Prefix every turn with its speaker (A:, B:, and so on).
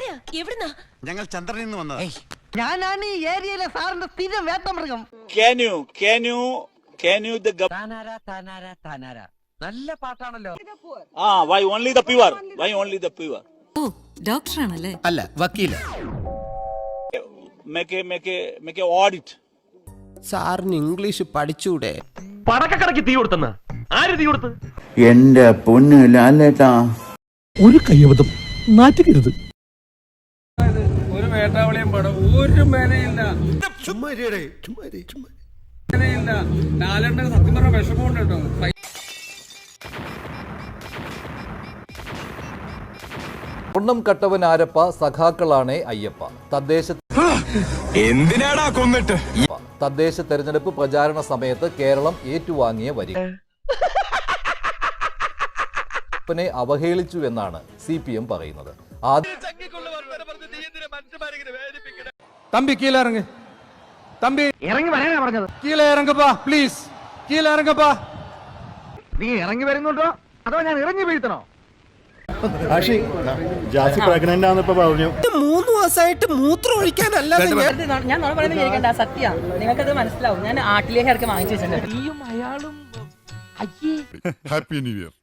A: ഞങ്ങൾ ചന്ദ്രനിൽ നിന്ന് വന്നതാ.
B: ഞാനാണ് ഈ ഏരിയയിലെ സാറിന്റെ സ്ഥിരം വേട്ടമൃഗം.
C: നല്ല പാട്ടാണല്ലോ.
D: Why only the pure? Why only the pure?
E: ഓ ഡോക്ടറാണല്ലേ?
F: അല്ല, വക്കീല.
D: Make a audit.
F: സാറിന് ഇംഗ്ലീഷ് പഠിച്ചൂടെ?
C: പടക്കടക്ക് തീ കൊടുത്തെന്ന ആര് തീ കൊടുത്ത്?
G: എന്റെ പൊന്ന് ലാലേട്ടാ,
H: ഒരു കയ്യബദ്ധം നാറ്റുകരുത്.
I: ഒരു വേട്ടാവളിയും പടം ഒരു മേനയില്ല. ലാലേട്ടൻ സത്യം പറഞ്ഞ വിഷമമുണ്ട് കേട്ടോ.
J: ഒണ്ണം കട്ടവൻ ആരപ്പ സഖാക്കളാണേ അയ്യപ്പ.
A: എന്തിനാടാ കൊന്നിട്ട്?
J: തദ്ദേശ തെരഞ്ഞെടുപ്പ് പ്രചാരണ സമയത്ത് കേരളം ഏറ്റുവാങ്ങിയ വരി നെ അവഹേളിച്ചു എന്നാണ് CPM പറയുന്നത്.
H: തമ്പി കീഴിറങ്ങ്, തമ്പി
B: ഇറങ്ങി വരാനാ പറഞ്ഞത്.
H: കീഴെ ഇറങ്ങപ്പാ, പ്ലീസ് കീഴെ ഇറങ്ങപ്പാ.
B: നീ ഇറങ്ങി വരുന്നുണ്ടോ അതോ ഞാൻ ഇറങ്ങി വീഴ്ത്തണോ?
G: പ്രഗ്നന്റ് ആണെന്നിപ്പോ പറഞ്ഞു.
F: 3 ദിവസമായിട്ട് മൂത്രം ഒഴിക്കാനല്ല.
K: ഞാൻ പറയുന്നത് സത്യ നിങ്ങൾക്കത് മനസ്സിലാവും. ഞാൻ ആട്ടിലേക്ക് ഇറക്കി വാങ്ങിച്ചു വെച്ചിട്ടുണ്ട്.
A: Happy new year.